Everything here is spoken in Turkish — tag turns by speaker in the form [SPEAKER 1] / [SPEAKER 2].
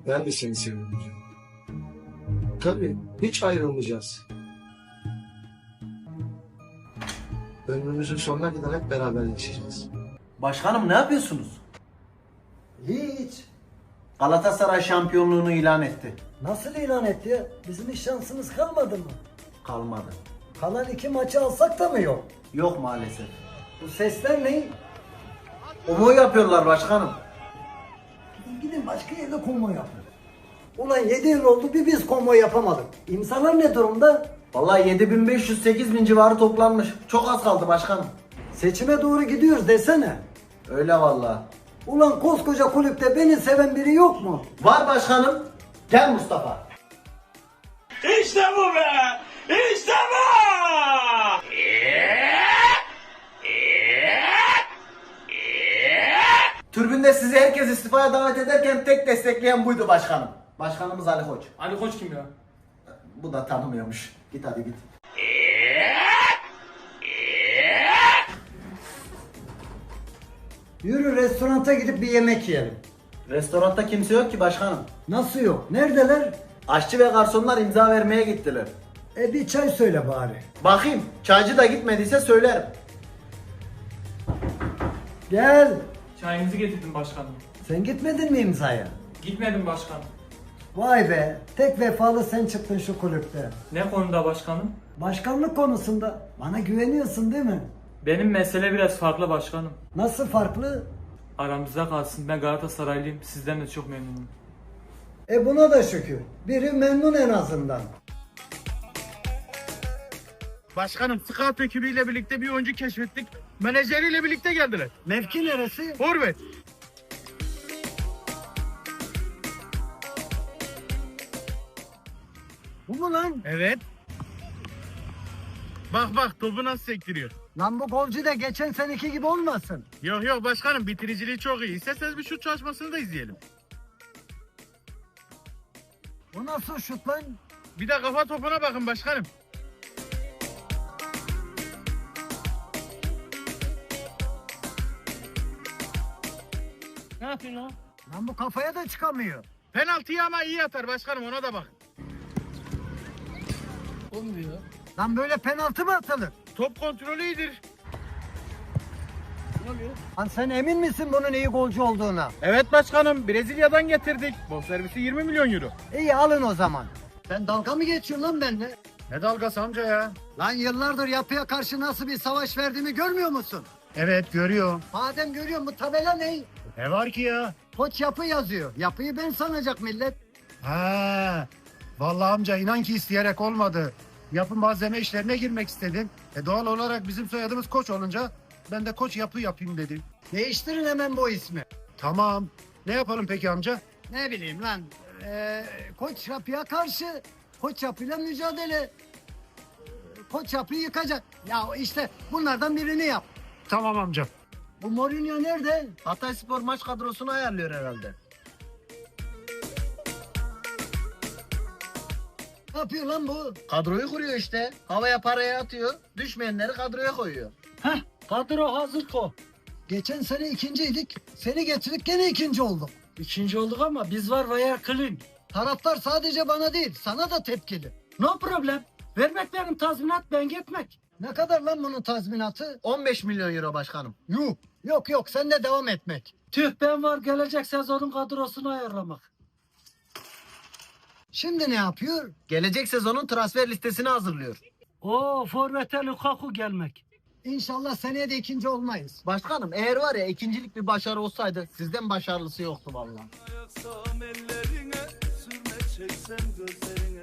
[SPEAKER 1] Ben de seni seviyorum canım. Tabii hiç ayrılmayacağız. Ömrümüzün sonuna kadar hep beraber yaşayacağız.
[SPEAKER 2] Başkanım ne yapıyorsunuz?
[SPEAKER 3] Hiç.
[SPEAKER 2] Galatasaray şampiyonluğunu ilan etti.
[SPEAKER 3] Nasıl ilan etti ya? Bizim hiç şansımız kalmadı mı?
[SPEAKER 2] Kalmadı.
[SPEAKER 3] Kalan 2 maçı alsak da mı yok?
[SPEAKER 2] Yok maalesef.
[SPEAKER 3] Bu sesler ne?
[SPEAKER 2] Konvoy yapıyorlar başkanım.
[SPEAKER 3] Gidin başka yerde konvoy yapın. Ulan 7 yıl oldu bir biz konvoy yapamadık. İmzalar ne durumda?
[SPEAKER 2] Vallahi 7500-8000 civarı toplanmış. Çok az kaldı başkanım.
[SPEAKER 3] Seçime doğru gidiyoruz desene.
[SPEAKER 2] Öyle vallahi.
[SPEAKER 3] Ulan koskoca kulüpte beni seven biri yok mu?
[SPEAKER 2] Var başkanım. Gel Mustafa.
[SPEAKER 4] İşte bu be! İşte bu!
[SPEAKER 2] Tribünde sizi herkes istifaya davet ederken tek destekleyen buydu başkanım. Başkanımız Ali Koç.
[SPEAKER 5] Ali Koç kim ya?
[SPEAKER 2] Bu da tanımıyormuş. Git hadi git.
[SPEAKER 3] Yürü restoranta gidip bir yemek yiyelim.
[SPEAKER 2] Restoranda kimse yok ki başkanım.
[SPEAKER 3] Nasıl yok? Neredeler?
[SPEAKER 2] Aşçı ve garsonlar imza vermeye gittiler.
[SPEAKER 3] Bir çay söyle bari.
[SPEAKER 2] Bakayım çaycı da gitmediyse söylerim.
[SPEAKER 3] Gel.
[SPEAKER 5] Çayınızı getirdim başkanım.
[SPEAKER 3] Sen gitmedin mi imzaya?
[SPEAKER 5] Gitmedim başkanım.
[SPEAKER 3] Vay be. Tek vefalı sen çıktın şu kulüpte.
[SPEAKER 5] Ne konuda başkanım?
[SPEAKER 3] Başkanlık konusunda bana güveniyorsun değil mi?
[SPEAKER 5] Benim mesele biraz farklı başkanım.
[SPEAKER 3] Nasıl farklı?
[SPEAKER 5] Aramızda kalsın, ben Galatasaraylıyım. Sizden de çok memnunum.
[SPEAKER 3] Buna da şükür. Biri memnun en azından.
[SPEAKER 6] Başkanım scout ekibiyle birlikte bir oyuncu keşfettik. Menajeriyle birlikte geldiler.
[SPEAKER 3] Mevki neresi?
[SPEAKER 6] Forvet.
[SPEAKER 3] Bu mu lan?
[SPEAKER 6] Evet. Bak bak topu nasıl sektiriyor.
[SPEAKER 3] Lan bu golcü de geçen seneki gibi olmasın.
[SPEAKER 6] Yok yok başkanım bitiriciliği çok iyi. İsterseniz bir şut çalışmasını da izleyelim.
[SPEAKER 3] Bu nasıl şut lan?
[SPEAKER 6] Bir de kafa topuna bakın başkanım.
[SPEAKER 5] Ne yapıyorsun lan?
[SPEAKER 3] Lan bu kafaya da çıkamıyor.
[SPEAKER 6] Penaltıyı ama iyi atar başkanım ona da bakın.
[SPEAKER 5] Olmuyor.
[SPEAKER 3] Lan böyle penaltı mı atılır?
[SPEAKER 6] Top kontrolü iyidir.
[SPEAKER 3] Lan sen emin misin bunun iyi golcü olduğuna?
[SPEAKER 6] Evet başkanım Brezilya'dan getirdik. Bonservisi 20 milyon euro.
[SPEAKER 3] İyi alın o zaman. Sen dalga mı geçiyorsun lan benimle?
[SPEAKER 6] Ne dalgası amca ya?
[SPEAKER 3] Lan yıllardır yapıya karşı nasıl bir savaş verdiğimi görmüyor musun?
[SPEAKER 6] Evet görüyor.
[SPEAKER 3] Madem görüyorum bu tabela ne?
[SPEAKER 6] Ne var ki ya?
[SPEAKER 3] Koç yapı yazıyor. Yapıyı ben sanacak millet.
[SPEAKER 7] Ha, vallahi amca inan ki isteyerek olmadı. Yapı malzeme işlerine girmek istedim. Doğal olarak bizim soyadımız Koç olunca ben de Koç yapı yapayım dedim.
[SPEAKER 3] Değiştirin hemen bu ismi.
[SPEAKER 7] Tamam. Ne yapalım peki amca?
[SPEAKER 3] Ne bileyim lan. Koç yapıya karşı. Koç yapıyla mücadele. Koç yapıyı yıkacak. Ya işte bunlardan birini yap.
[SPEAKER 7] Tamam amca.
[SPEAKER 3] Bu Mourinho nerede?
[SPEAKER 2] Hatayspor maç kadrosunu ayarlıyor herhalde.
[SPEAKER 3] Ne yapıyor lan bu?
[SPEAKER 2] Kadroyu kuruyor işte. Havaya parayı atıyor. Düşmeyenleri kadroya koyuyor.
[SPEAKER 3] Kadro hazır ko. Geçen sene ikinciydik. Seni getirdik gene ikinci olduk.
[SPEAKER 8] İkinci olduk ama biz var veya clean.
[SPEAKER 3] Taraftar sadece bana değil sana da tepkili.
[SPEAKER 8] No problem. Vermek benim tazminat ben gitmek.
[SPEAKER 3] Ne kadar lan bunun tazminatı?
[SPEAKER 2] 15 milyon euro başkanım.
[SPEAKER 3] Yuh. Yok sen de devam etmek.
[SPEAKER 8] Tüh ben var gelecek sezonun kadrosunu ayarlamak.
[SPEAKER 3] Şimdi ne yapıyor?
[SPEAKER 2] Gelecek sezonun transfer listesini hazırlıyor.
[SPEAKER 8] Oo forvete Lukaku gelmek.
[SPEAKER 3] İnşallah seneye de ikinci olmayız.
[SPEAKER 2] Başkanım eğer var ya ikincilik bir başarı olsaydı sizden başarılısı yoktu vallahi.
[SPEAKER 4] Yaksam ellerine, sürme çeksem gözlerine.